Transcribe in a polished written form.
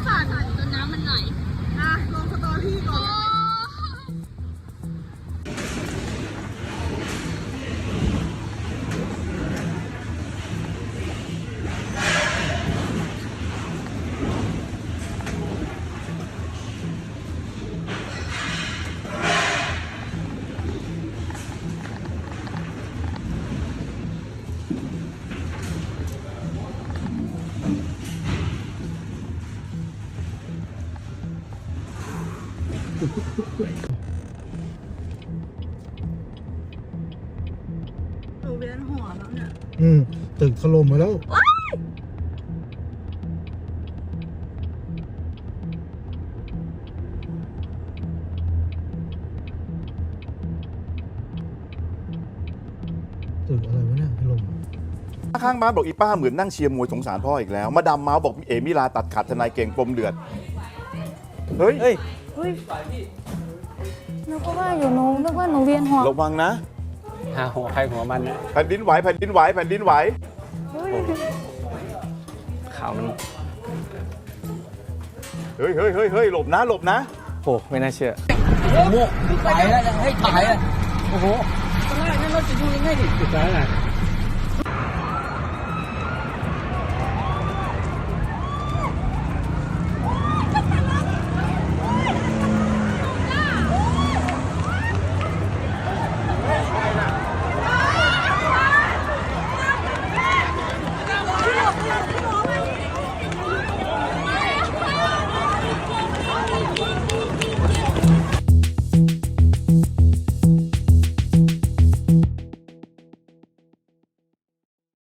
สั่นจนน้ำมันไหลลงสตอรี่ก่อนหนูเวียนหัวแล้วเนี่ยตึกถล่มมาแล้วตึกอะไรวะเนี่ยถล่มข้างบ้านบอกอีป้าเหมือนนั่งเชียร์มวยสงสารพ่ออีกแล้วมาดามเมาส์บอกเอมิลาตัดขาดทนายเก่งปมเดือดเฮ้ยนึกว่าอยู่หนูนึกว่าหนูเวียนหัวระวังนะหาหัวใครหัวมันนะแผ่นดินไหวแผ่นดินไหวแผ่นดินไหวข่าวมันเฮ้ยเฮ้ยเฮ้ยเฮ้ยหลบนะหลบนะโอ้ไม่น่าเชื่อถ่ายแล้วให้ถ่ายอ่ะโอ้โหตอนแรกนั้นเราจะดูยังไงดิสุดท้ายน่ะ